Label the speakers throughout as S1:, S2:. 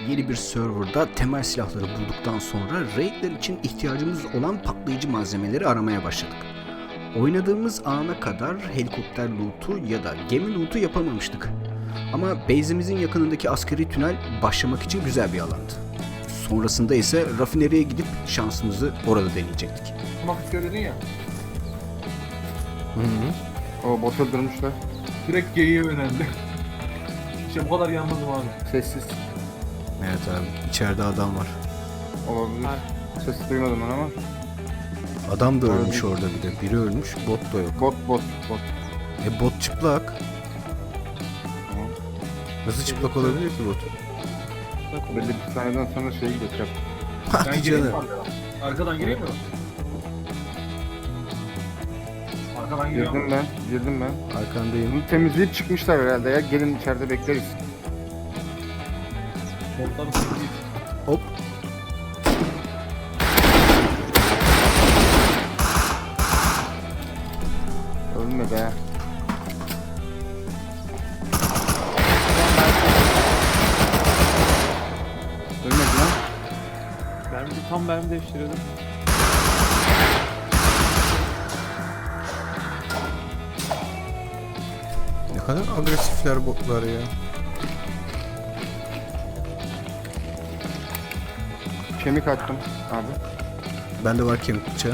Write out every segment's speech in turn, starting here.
S1: yeni bir serverda temel silahları bulduktan sonra raidler için ihtiyacımız olan patlayıcı malzemeleri aramaya başladık. Oynadığımız ana kadar helikopter loot'u ya da gemi loot'u yapamamıştık. Ama base'imizin yakınındaki askeri tünel başlamak için güzel bir alandı. Sonrasında ise rafineriye gidip şansımızı orada deneyecektik.
S2: Mafya söyledin ya.
S3: O bot öldürmüşler.
S2: Direkt G'ye yöneldi. İşte bu kadar yanmadım abi.
S3: Sessiz.
S1: Evet abi, içeride adam var.
S3: Olabilir. Ses duymadım ben ama.
S1: Adam da ölmüş orada bir de. Biri ölmüş, bot da yok.
S3: Bot.
S1: Bot çıplak.
S3: Tamam.
S1: Nasıl çıplak olabilir ki bot?
S3: Belli bir saniyeden sonra şey gidiyor. Trap.
S1: Hadi
S2: Ben gireyim mi
S1: canım.
S2: arkadan gireyim mi? Arkadan giriyorum.
S3: Girdim ben.
S1: Arkandayım.
S3: Bunu temizleyip çıkmışlar herhalde ya. Gelin içeride bekleriz.
S2: Botları sürüyeyim.
S1: Hop.
S3: Ölme be. Ölmedi lan.
S4: Tam mermi değiştiriyordum.
S1: Ne kadar agresifler botlar ya.
S3: Kemik attım abi.
S1: Bende var kemik bıçağı.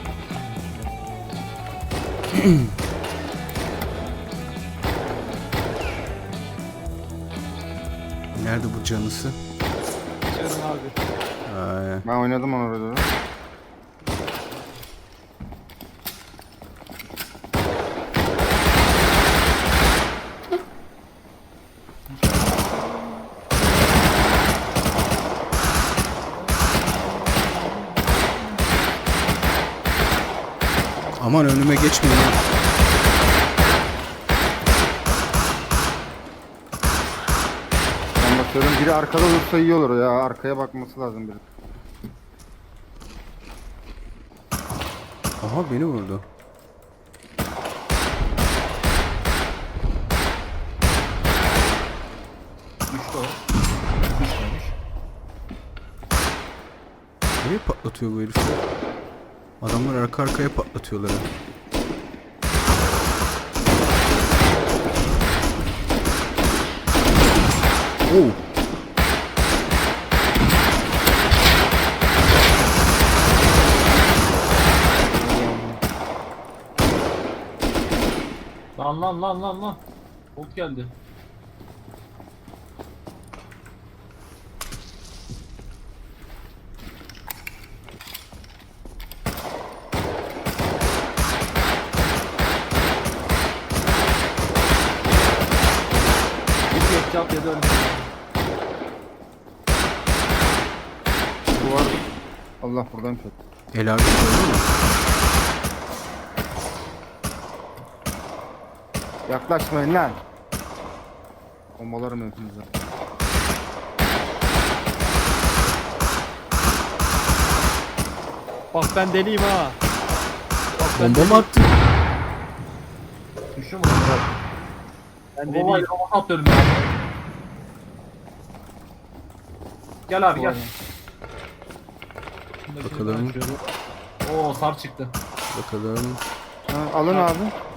S1: Nerede bu canısı?
S4: Canım abi.
S1: Ay,
S3: Ben oynadım onu orada.
S1: aman önüme geçmeyin.
S3: Ben bakıyorum biri arkada olursa iyi olur ya. Arkaya bakması lazım biri.
S1: Aha beni vurdu.
S2: Düştü o. Düşmemiş.
S1: Nereye patlatıyor bu herifler? Adamlar arka arkaya patlatıyorlar. Ha. Oh.
S2: Lan. Bot geldi. Bir ketçap yedi önüme.
S3: Duvar. Allah buradan çek.
S1: El abi öldü mü?
S3: Yaklaşmayın lan. Bombalarım hepinize.
S4: Bak ben deliyim ha.
S1: Bomba mı attın?
S2: Düştü mü?
S4: Ben
S2: Baba
S4: deliyim.
S2: kafa atlıyorum ya. Gel abi gel.
S1: Bakalım.
S2: Oo sar çıktı.
S1: Bakalım.
S3: Ha, alın abi.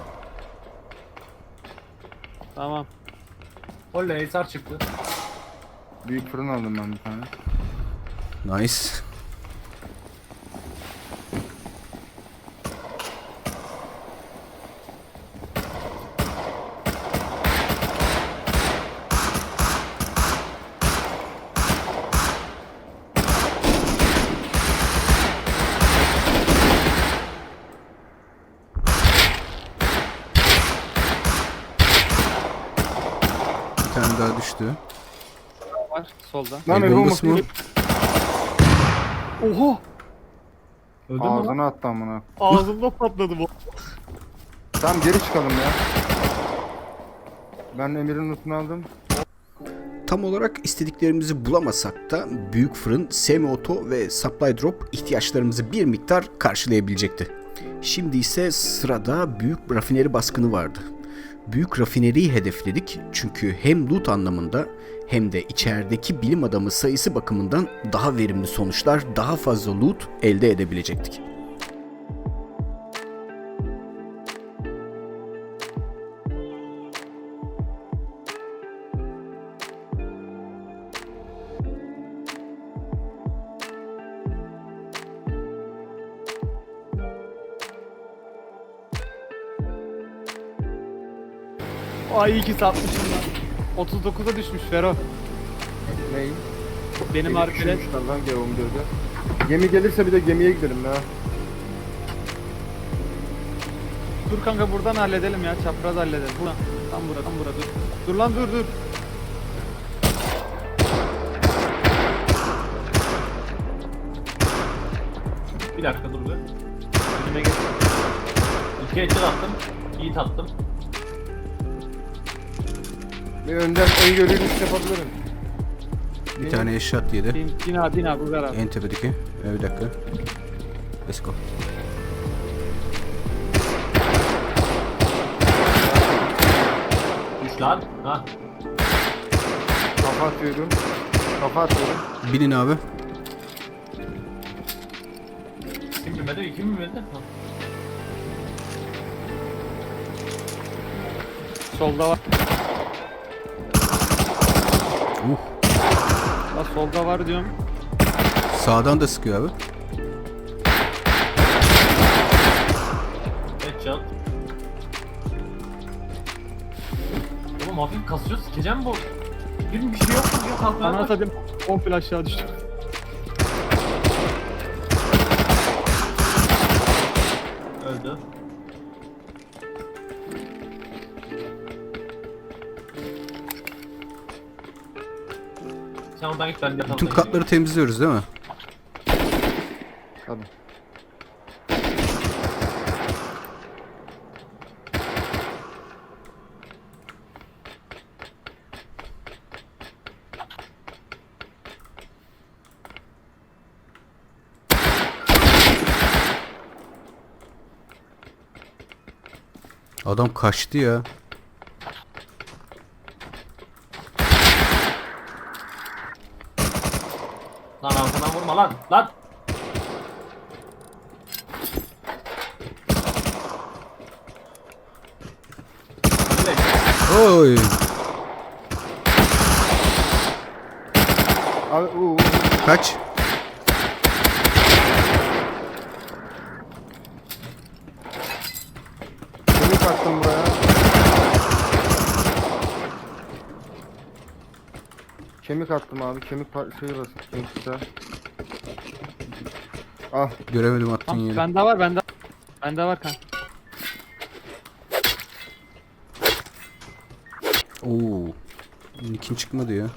S4: Tamam.
S2: Oley sar çıktı.
S3: Büyük fırın aldım ben bir tane.
S1: Nice. Bir tane daha düştü.
S4: Var solda.
S3: Lan
S1: El
S3: el
S1: bombası mı?
S4: Oha!
S2: Öldün mü lan?
S3: Ağzına attı amına.
S4: Ağzımda patladı bu.
S3: Tamam geri çıkalım ya. Ben Emir'in lootunu aldım.
S1: Tam olarak istediklerimizi bulamasak da büyük fırın, semi-auto ve supply drop ihtiyaçlarımızı bir miktar karşılayabilecekti. Şimdi ise sırada büyük rafineri baskını vardı. Büyük rafineriyi hedefledik çünkü hem loot anlamında hem de içerideki bilim adamı sayısı bakımından daha verimli sonuçlar, daha fazla loot elde edebilecektik.
S4: Ay iyi ki satmışım lan. 39'a düşmüş Fero.
S3: Ney?
S4: Benim
S3: Gemi
S4: arkadaş.
S3: düşürmüşler lan G14'e. Gemi gelirse bir de gemiye gidelim ya.
S4: Dur kanka buradan halledelim ya. Çapraz halledelim. Buradan. Tam burada dur. Dur lan dur.
S2: Bir dakika dur be.
S4: Önüme geç.
S2: 2 headshot attım. Yiğit attım.
S3: Bir önden öngörülü iş yapabilirim.
S1: Bir tane eşat yedi.
S4: Bin abi Ugar abi.
S1: En tepedeki. Bir dakika. Let's go.
S2: Düş lan. Ha.
S3: Kafa atıyorum. Kafa atıyorum.
S1: Binin abi.
S2: Kim bilmedi? Kim bilmedi? Ha.
S4: Solda var. La solda var diyorum.
S1: Sağdan da sıkıyor abi.
S2: Headshot. Oğlum hafif kasıyor. Sikeceğim bu. Bir şey yok mu? Yok kalk
S4: Bana
S2: lan.
S4: atayım. Komple aşağı düştüm.
S2: Öldü. Sen oradan git ben de
S1: Bütün
S2: yatalım.
S1: katları temizliyoruz değil mi?
S3: Tabii.
S1: Adam kaçtı ya.
S2: Lan arkadan vurma lan. Lan. Evet.
S1: Oy.
S3: Abi
S1: Kaç.
S3: kemik attım buraya. Kemik attım abi. Kemik şeyi basın. Kemik güzel. Ah.
S1: Göremedim attığın
S4: Tamam,
S1: yeri.
S4: bende var. Bende var kanka.
S1: Oo. Nick'in çıkmadı ya.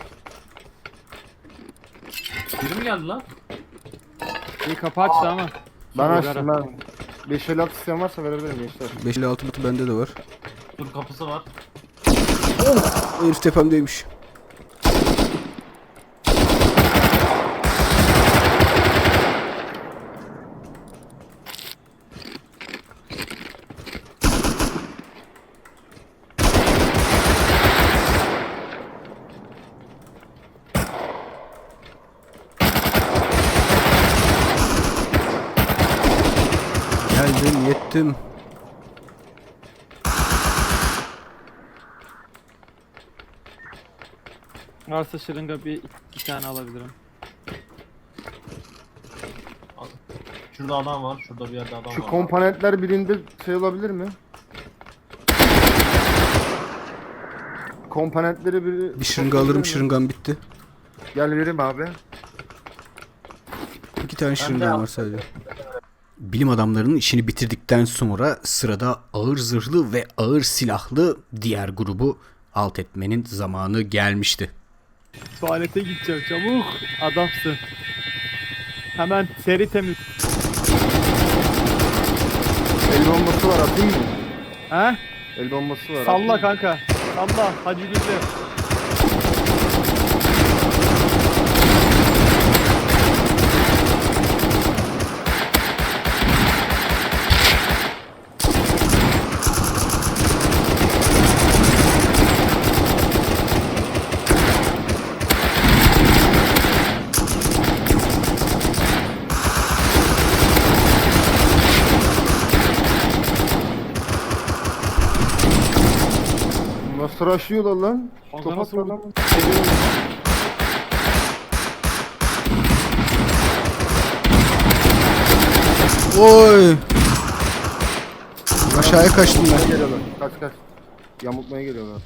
S2: Biri mi geldi lan?
S4: İyi kapı açtı ama.
S3: Ben
S4: Ugar
S3: açtım
S4: abi.
S3: ben. 556 isteyen varsa verebilirim gençler.
S1: 556 butu bende de var.
S2: Dur kapısı var.
S1: O herif tepemdeymiş. Geldim, yettim.
S4: Varsa şırınga iki tane alabilirim.
S2: Şurada adam var. Şurada bir yerde adam
S3: Şu
S2: var.
S3: komponentler birinde şey olabilir mi? Komponentleri biri...
S1: Bir şırınga alırım, şırıngan bitti.
S3: Gel vereyim abi.
S1: 2 tane şırıngan var sadece. Bilim adamlarının işini bitirdikten sonra sırada ağır zırhlı ve ağır silahlı diğer grubu alt etmenin zamanı gelmişti.
S4: Tuvalete gideceğim çabuk. Adamsın. Hemen seri temiz.
S3: El bombası var atayım mı?
S4: He?
S3: El bombası var.
S4: Salla kanka. Salla. Hacı Gül'de.
S3: Nasıl rushlıyorlar lan?
S4: Kanka
S3: Top
S4: nasıl
S3: atma lan.
S4: vurdun?
S1: Oy! Aşağıya kaçtım
S3: Yamultmaya
S1: ben.
S3: geliyorlar. Kaç kaç. Yamultmaya geliyorlar.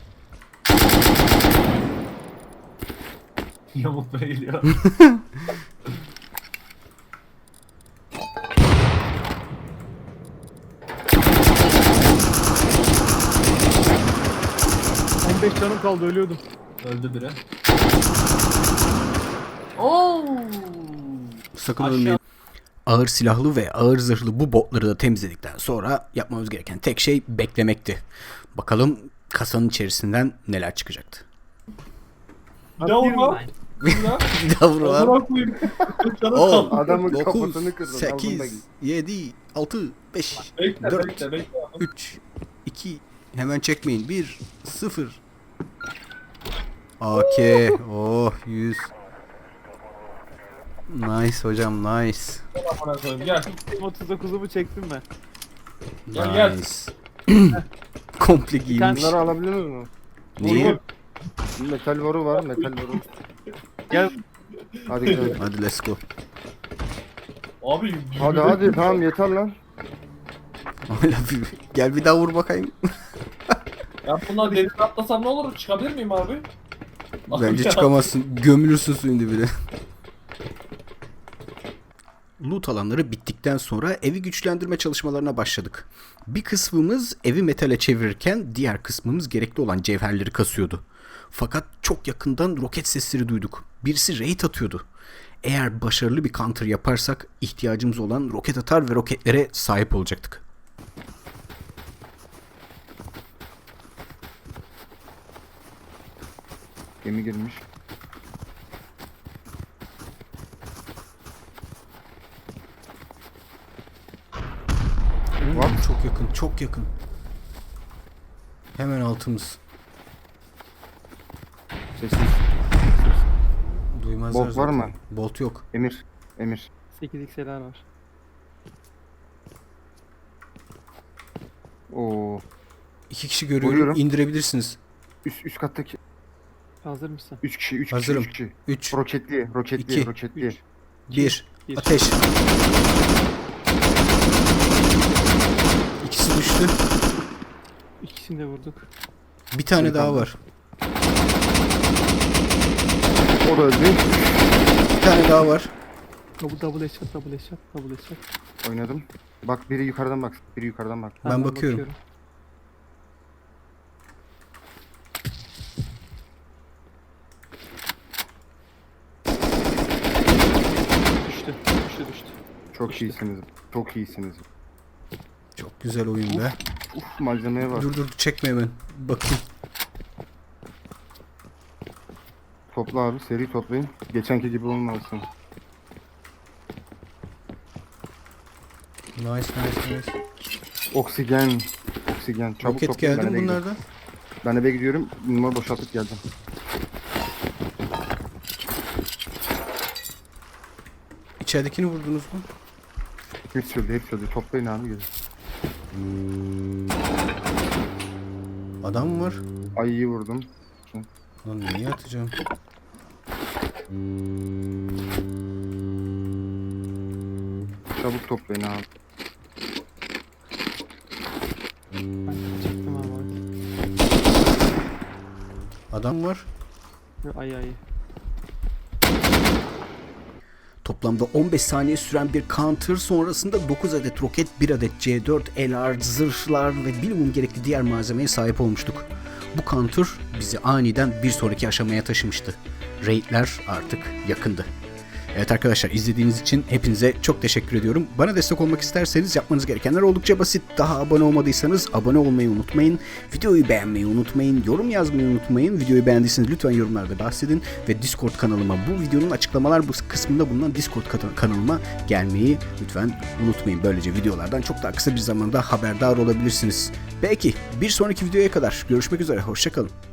S2: Yamultmaya geliyor.
S4: Son 5 canım kaldı, ölüyordum.
S2: Öldü biri. Oo!
S1: Sakın
S2: Aşağı-
S1: ölmeyin. Ağır silahlı ve ağır zırhlı bu botları da temizledikten sonra yapmamız gereken tek şey beklemekti. Bakalım kasanın içerisinden neler çıkacaktı.
S2: Bir daha vurma. Bir daha.
S1: Bir daha vuralım.
S2: Amına koyayım. Canım
S1: 10,
S2: kaldı.
S3: Adamın
S1: 9,
S3: kafasını kırdın.
S1: 8, 7, 6, 5,
S2: Bekle
S1: 4,
S2: bekle.
S1: 3, 2, hemen çekmeyin. 1, 0. OK. Oh 100. Nice hocam nice.
S2: Amına koyayım gel.
S4: 39'umu çektim ben.
S2: Gel, gel.
S1: Nice. Komple giymiş.
S3: Bunları alabiliyor musun?
S1: Neyi?
S3: Metal boru var, metal boru.
S4: Gel.
S3: Hadi gidelim.
S1: Hadi let's go.
S2: Abi.
S3: Hadi hadi tamam yeter lan.
S1: Gel bir daha vur bakayım.
S2: Ya bunlar denize atlasam ne olur? Çıkabilir miyim abi?
S1: Bence
S2: Ya.
S1: çıkamazsın. Gömülürsün suyun dibine. Loot alanları bittikten sonra evi güçlendirme çalışmalarına başladık. Bir kısmımız evi metale çevirirken diğer kısmımız gerekli olan cevherleri kasıyordu. Fakat çok yakından roket sesleri duyduk. Birisi raid atıyordu. Eğer başarılı bir counter yaparsak ihtiyacımız olan roket atar ve roketlere sahip olacaktık.
S3: Gemi girmiş.
S1: Var mı? Çok yakın, çok yakın. Hemen altımız.
S3: Sessiz.
S1: Duymazlar
S3: Bolt var
S1: zaten.
S3: mı?
S1: Bolt yok.
S3: Emir. Emir.
S4: 8x'ler var.
S3: Oo.
S1: 2 kişi görüyorum.
S3: Buyurun.
S1: İndirebilirsiniz.
S3: Üst kattaki
S4: Hazır mısın?
S3: 3 kişi, 3 kişi,
S1: Hazırım.
S3: 3 kişi.
S1: 3,
S3: Roketli, roketli,
S1: İki.
S3: roketli.
S4: 3.
S1: 1.
S4: Bir.
S1: Ateş. İkisi düştü.
S4: İkisini de vurduk.
S1: Bir tane
S3: Şey
S1: daha
S3: kaldı.
S1: var.
S3: O da öldü.
S1: Bir tane daha var.
S4: Double headshot, double headshot, double headshot.
S3: Oynadım. Bak biri yukarıdan bak. Biri yukarıdan bak.
S1: Ben bakıyorum.
S4: Düştü, düştü.
S3: Çok iyisiniz. Çok iyisiniz.
S1: Çok güzel oyun be.
S3: Uf malzemeye bak.
S1: Dur çekme hemen. Bakayım.
S3: Topla abi seri toplayın. Geçenki gibi olmasın.
S1: Nice.
S3: Oksijen. Oksijen. Çabuk
S1: Roket
S3: toplayın.
S1: geldi
S3: Ben
S1: mi
S3: eve gidiyorum.
S1: bunlardan?
S3: Ben eve gidiyorum. Numara boşaltıp geldim.
S1: İçeridekini vurdunuz mu?
S3: Hepsi öldü. Hepsi öldü. Toplayın abi gelin.
S1: Adam mı var?
S3: Ayıyı vurdum.
S1: Lan niye atacağım?
S3: Çabuk toplayın abi.
S4: Çektim abi.
S1: Adam var.
S4: Ay.
S1: Toplamda 15 saniye süren bir counter sonrasında 9 adet roket, 1 adet C4, LR, zırhlar ve bilimum gerekli diğer malzemeye sahip olmuştuk. Bu counter bizi aniden bir sonraki aşamaya taşımıştı. Raidler artık yakındı. Evet arkadaşlar, izlediğiniz için hepinize çok teşekkür ediyorum. Bana destek olmak isterseniz yapmanız gerekenler oldukça basit. Daha abone olmadıysanız abone olmayı unutmayın. Videoyu beğenmeyi unutmayın. Yorum yazmayı unutmayın. Videoyu beğendiyseniz lütfen yorumlarda bahsedin. Ve Discord kanalıma, bu videonun açıklamalar bu kısmında bulunan Discord kanalıma gelmeyi lütfen unutmayın. Böylece videolardan çok daha kısa bir zamanda haberdar olabilirsiniz. Belki bir sonraki videoya kadar görüşmek üzere. Hoşça kalın.